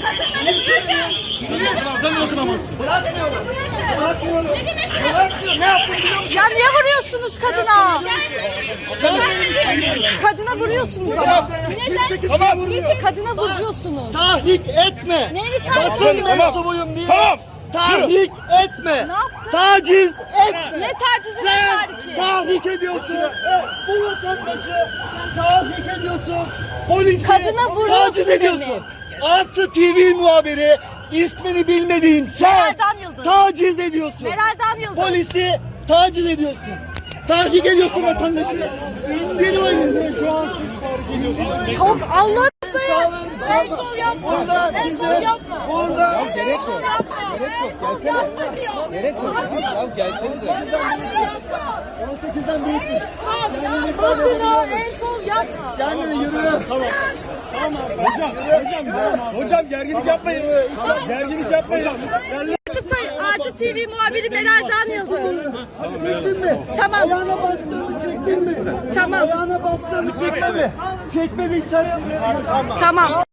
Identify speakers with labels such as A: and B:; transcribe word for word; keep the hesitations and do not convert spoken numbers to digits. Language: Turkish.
A: Sen de dokunamazsın.
B: Bırakmıyorum. Bırakmıyorum. Bırakmıyorum. Ne yaptın biliyor musun?
C: Ya niye vuruyorsunuz kadına? Kadına vuruyorsunuz ama.
B: Kimse kimseye vurmuyor.
C: Kadına vuruyorsunuz.
B: Tahrik etme.
C: Neyini tahrik
B: Basın
C: ediyorsun?
B: mensubuyum diye.
A: Tamam.
B: Tahrik etme.
C: Ne yaptın?
B: Taciz etme.
C: Ne tacizi ne
B: Sen
C: tahriki?
B: tahrik ediyorsun. Bu vatandaşı tahrik ediyorsun. Polisi
C: Kadına vuruyorsun
B: taciz ediyorsun.
C: beni.
B: Artı T V muhabiri ismini bilmediğim sen
C: Meral Dan Yıldız.
B: taciz ediyorsun.
C: Meral Dan Yıldız.
B: Polisi taciz ediyorsun. Tahrik ediyorsun vatandaşı. İndir o elini. Şu an siz tahrik ediyorsunuz.
C: Çok Allah.
B: El kol yapma. Burada bize burada
D: Gerek yok. Gerek yok. Gelsene. Gerek yok. Az gelsenize.
B: on sekizden büyükmüş. Kendini ifade
C: Kadına
B: edebiliyormuş.
C: el kol yapma.
B: Kendini yürü. Tamam. Tamam.
A: Hocam, hocam, hocam gerginlik yapmayın. Gerginlik yapmayın.
C: Artı T V muhabiri Meral Dan Yıldız.
B: Çektin mi?
C: Tamam.
B: Ayağına bastığımı çektin mi?
C: Tamam.
B: Ayağına bastığımı çekme mi? Çekmediysen tamam.
C: Tamam.